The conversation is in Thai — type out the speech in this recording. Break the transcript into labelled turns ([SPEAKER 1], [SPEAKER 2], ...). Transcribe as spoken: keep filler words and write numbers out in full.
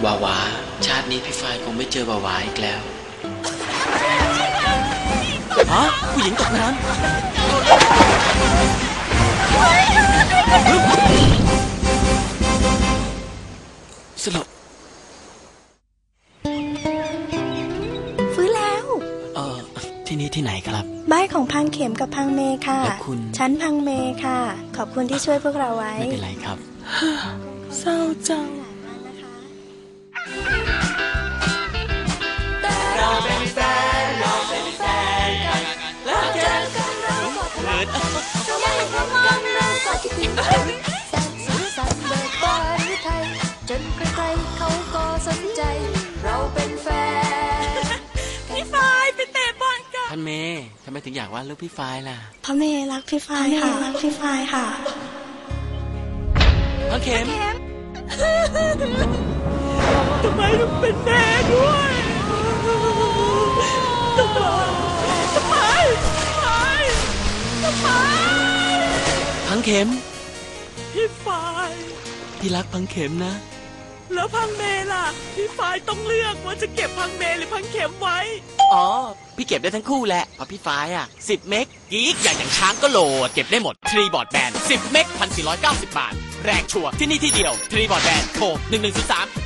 [SPEAKER 1] วาวาชาตินี้พี่ฝ้ายคงไม่เจอวาวาอีกแล้วฮะผู้หญิงตกน้ำสลบ
[SPEAKER 2] ฟื้นแล้ว
[SPEAKER 1] เออที่นี่ที่ไหนครับ
[SPEAKER 2] บ้านของพังเข็มกับพังเมค่ะ
[SPEAKER 1] และคุณ
[SPEAKER 2] ฉันพังเมค่ะขอบคุณที่ช่วยพวกเราไว้
[SPEAKER 1] ไม่เป็นไรครับ
[SPEAKER 2] เศร้าจัง
[SPEAKER 1] เราเป็นแฟนเราเป็นแฟนกันแล้วเจอกันเราเกิด
[SPEAKER 2] ยังพร้อมกันเราก็คิดถึงแสนสุขสันต์เบิกบานหรือไทยจนใครๆเขาก็สนใจเราเป็นแฟน
[SPEAKER 3] พี่ฝ้ายไปเตะบอลกัน
[SPEAKER 1] ท่านเมย์ทำไมถึงอยากวาดรูปพี่ฝ้ายล่ะ
[SPEAKER 2] เพราะเมย์รักพี่ฝ้ายค่ะรักพี่ฝ้ายค่ะ
[SPEAKER 1] พังเข็ม
[SPEAKER 3] ทำไมต้องเป็นแม่ด้วยทำไมทำไมทำไมทำไม
[SPEAKER 1] พังเข็ม
[SPEAKER 3] พี่ฝ้าย
[SPEAKER 1] พี่รักพังเข็มนะ
[SPEAKER 3] แล้วพังเมล่ะพี่ฝ้ายต้องเลือกว่าจะเก็บพังเมหรือพังเข็มไว้
[SPEAKER 1] อ๋อพี่เก็บได้ทั้งคู่แหละเพราะพี่ฝ้ายอ่ะสิบเมกกีกอย่างอย่างช้างก็โหลดเก็บได้หมดทรีบอร์ดแบนด์สิบเมกพันสี่ร้อยเก้าสิบบาทแรงชัวร์ที่นี่ที่เดียวทรีบอร์ดแบนด์โทรหนึ่งหนึ่งศูนย์สาม